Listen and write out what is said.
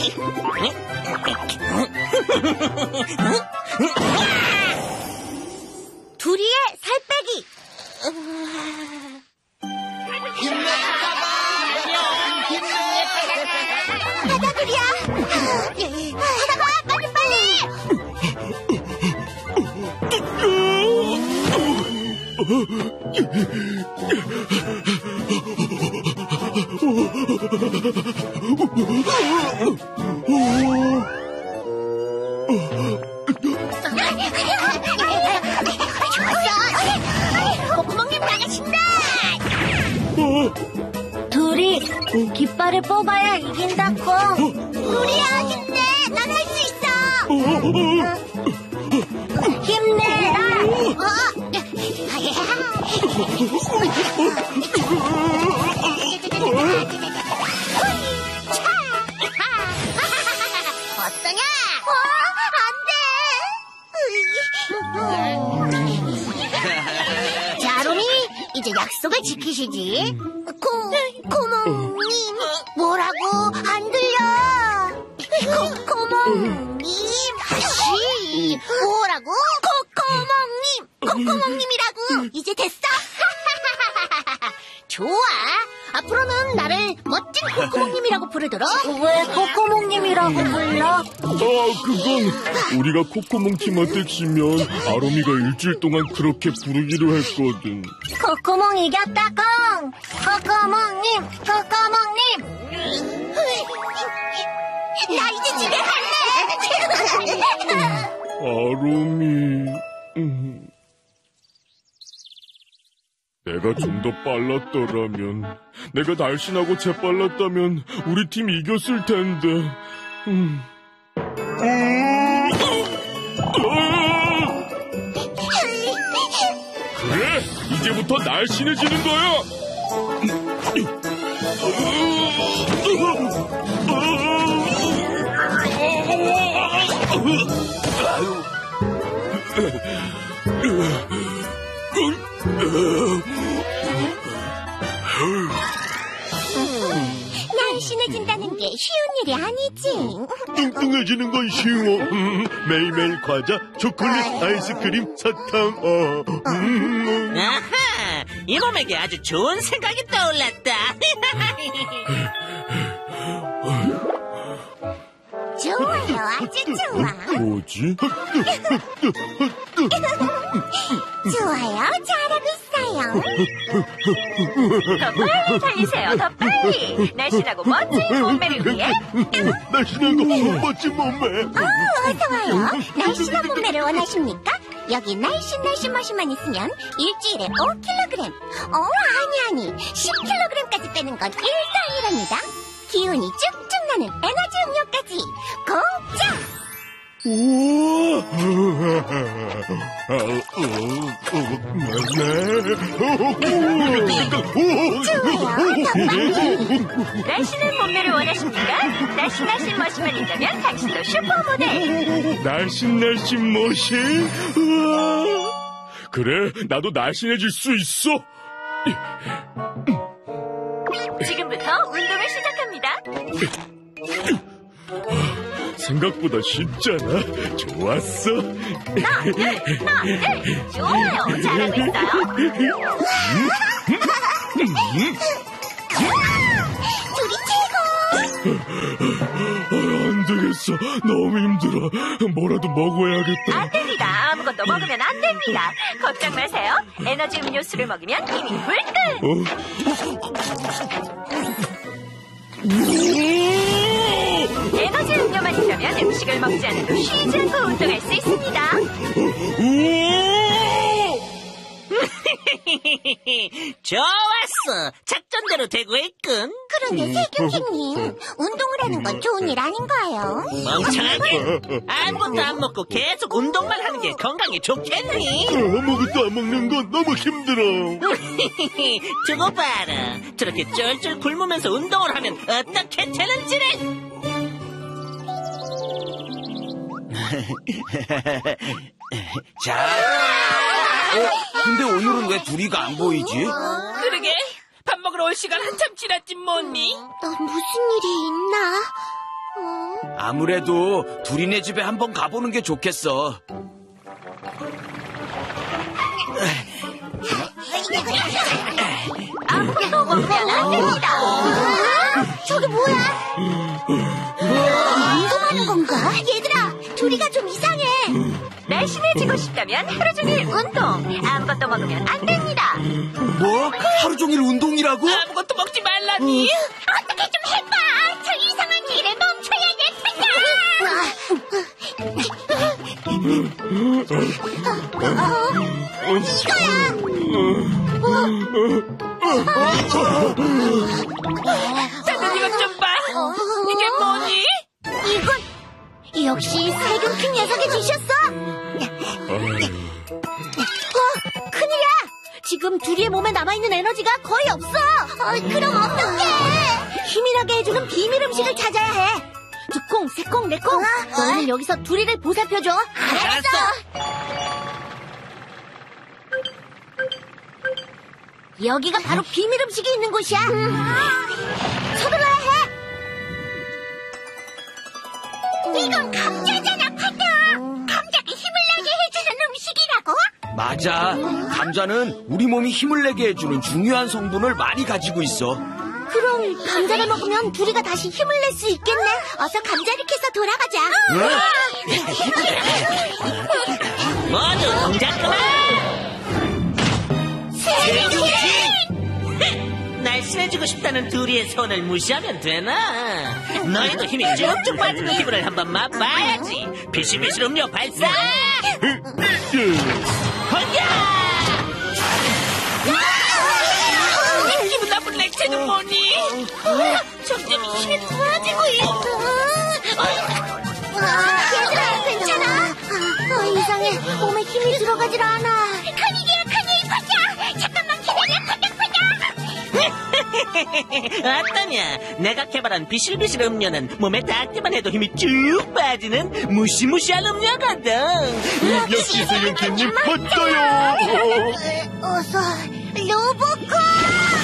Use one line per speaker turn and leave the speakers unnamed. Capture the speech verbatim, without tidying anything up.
둘이의 살 빼기. 가자, 둘이야. 가자, 빨리, 빨리. 좋았어. 콧구멍님 나가신다. 둘이 깃발을 뽑아야 이긴다고. 둘이야, 힘내. 난 할 수 있어. 힘내라. 어? 어떠냐? 어, 안 돼. 자, 로미, 이제 약속을 지키시지. 고, 고모님. 뭐라고? 안 들려. 고, 고모님. 다시. 뭐라고? 고, 고모님. 콧구멍님이라고. 이제 됐어? 좋아. 앞으로는 나를 멋진 콧구멍님이라고 부르도록. 왜 콧구멍님이라고 불러?
아, 그건 우리가 콧구멍 팀한테 지면 아롬이가 일주일 동안 그렇게 부르기로 했거든.
콧구멍 이겼다고. 콧구멍님, 콧구멍님. 나 이제 집에 갈래.
아롬이... 음. 내가 좀 더 빨랐더라면, 내가 날씬하고 재빨랐다면 우리 팀 이겼을 텐데. 음. 그래, 이제부터 날씬해지는 거야.
날씬해진다는 게 쉬운 일이 아니지.
뚱뚱해지는 건 쉬워. 음, 매일매일 과자, 초콜릿, 아이스크림, 사탕. 어. 음.
아하! 이놈에게 아주 좋은 생각이 떠올랐다.
좋아요, 아주 좋아.
뭐지?
좋아요, 잘하고 있어요.
더 빨리 달리세요, 더 빨리. 날씬하고 멋진 몸매를 위해.
날씬하고 멋진 몸매.
어, 어서 와요. 날씬한 몸매를 원하십니까? 여기 날씬 날씬 머신만 있으면 일주일에 오 킬로그램. 어, 아니 아니, 십 킬로그램까지 빼는 건 일도 아니랍니다. 기운이 쭉쭉 나는 에너지 음료까지 공짜!
우와!
좋아요, 더 빨리.
날씬한 몸매를 원하십니까? 날씬하신 머신만 있다면 당신도 슈퍼모델.
날씬날씬 머신? 우와! 그래, 나도 날씬해질 수 있어.
지금부터 운동을 시작합니다.
생각보다 쉽잖아. 좋았어.
하나, 둘, 하나, 둘. 좋아요, 잘하고 있어요.
둘이 최고!
아, 안 되겠어. 너무 힘들어. 뭐라도 먹어야겠다.
안 됩니다. 아무것도 먹으면 안 됩니다. 걱정 마세요. 에너지 음료수를 먹으면 힘이 불끈.
어?
에너지 음료만 있다면 음식을 먹지 않아도 쉬지 않고 운동할 수 있습니다.
좋았어. 작전대로 되고 있군.
그런데 세균기님, 운동을 하는 건 좋은 일 아닌가요?
멍청하게. 아무것도 안 먹고 계속 운동만 하는 게 건강에 좋겠니?
아무것도 안 먹는 건 너무 힘들어.
저거 봐라. 저렇게 쫄쫄 굶으면서 운동을 하면 어떻게 되는지를.
자. 어? 근데 오늘은 왜 둘이가 안 보이지?
그러게. 밥 먹으러 올 시간 한참 지났지 뭐니?
넌 무슨 일이 있나? 어?
아무래도 둘이네 집에 한번 가보는 게 좋겠어.
아무것도 먹으면 안 됩니다.
저게 뭐야? 운동하는 건가? 얘들아, 둘이가 좀 이상해.
날씬해지고 싶다면 하루 종일 운동. 아무것도 먹으면 안 됩니다.
뭐? 하루 종일 운동이라고?
아무것도 먹지 말라니.
어떻게 좀 해봐. 저 이상한 일에 멈춰야 될 텐데. 어, 이거야.
다들 이것 좀 봐. 이게 뭐니?
이건 역시 세균킹 녀석이 주셨어. 어, 큰일이야. 지금 둘이의 몸에 남아있는 에너지가 거의 없어. 어, 그럼 어떡해. 힘이나게 해주는 비밀 음식을 찾아야 해. 두콩, 새콩, 네콩. 너희는 여기서 둘이를 보살펴줘. 알았어. 여기가 바로 비밀 음식이 있는 곳이야. 서둘러야 해. 이건 감자잖아, 파다. 감자가 힘을 나게 해주는 음식이라고?
맞아. 감자는 우리 몸이 힘을 내게 해주는 중요한 성분을 많이 가지고 있어.
그럼 감자를 먹으면 둘이가 다시 힘을 낼 수 있겠네. 어서 감자를 캐서 돌아가자.
모두 동작 그만. 날씬해지고 싶다는 둘이의 손을 무시하면 되나? 너희도 힘이 쭉쭉 빠지는 기분을 한번 맛봐야지. 비실비실 음료 발사! 건야! 기분 나쁜 렉체는 뭐니? 점점 힘이 좋아지고 있어.
얘들아, 괜찮아? 어, 이상해. 몸에 힘이 들어가질 않아. 큰일이야, 큰일. 파자. 잠깐만 기다려, 파자, 파자.
어떠냐? 내가 개발한 비실비실 음료는 몸에 닿기만 해도 힘이 쭉 빠지는 무시무시한 음료거든.
역시 세균캔님 맞아요.
어서 로보콘.